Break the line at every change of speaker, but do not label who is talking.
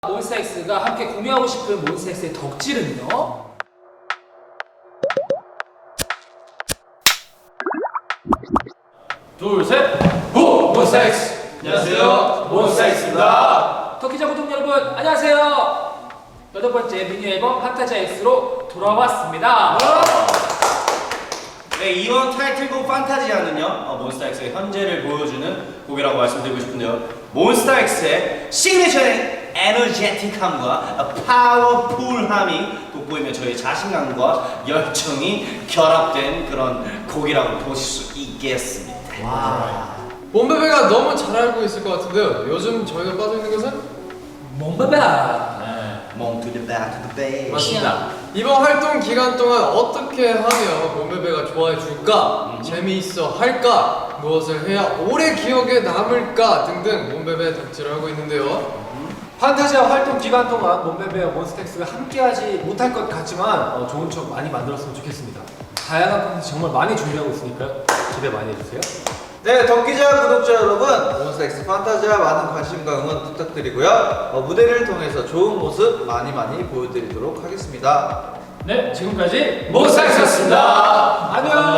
몬스타엑스가 함께 공유하고 싶은 몬스타엑스의 덕질은요?
둘, 셋! 고! 몬스타엑스! 안녕하세요, 몬스타엑스입니다.
터키자 구독 여러분 안녕하세요. 8번째 미니 앨범 판타지아 X로 돌아왔습니다.
네, 이번 타이틀곡 판타지아는요, 몬스타엑스의 현재를 보여주는 곡이라고 말씀드리고 싶은데요. 몬스타엑스의 시그니처인 에너제틱함과 파워풀함이 돋보이며 저희 자신감과 열정이 결합된 그런 곡이라고 보실 수 있겠습니다.
몬베베가 너무 잘 알고 있을 것 같은데요. 요즘 저희가 빠져 있는 것은
몬베베.
Mom to the back to the base.
맞습니다. 이번 활동 기간 동안 어떻게 하면 몬베베가 좋아해 줄까, 재미있어 할까, 무엇을 해야 오래 기억에 남을까 등등 몬베베 덕질을 하고 있는데요.
판타지아 활동 기간 동안 몬베베와 몬스타엑스가 함께하지 못할 것 같지만 좋은 추억 많이 만들었으면 좋겠습니다. 다양한 콘텐츠 정말 많이 준비하고 있으니까요. 기대 많이 해주세요.
네, 덕기자 구독자 여러분, 몬스타엑스 판타지아 많은 관심과 응원 부탁드리고요. 무대를 통해서 좋은 모습 많이 보여드리도록 하겠습니다.
네, 지금까지 몬스타엑스였습니다.
안녕.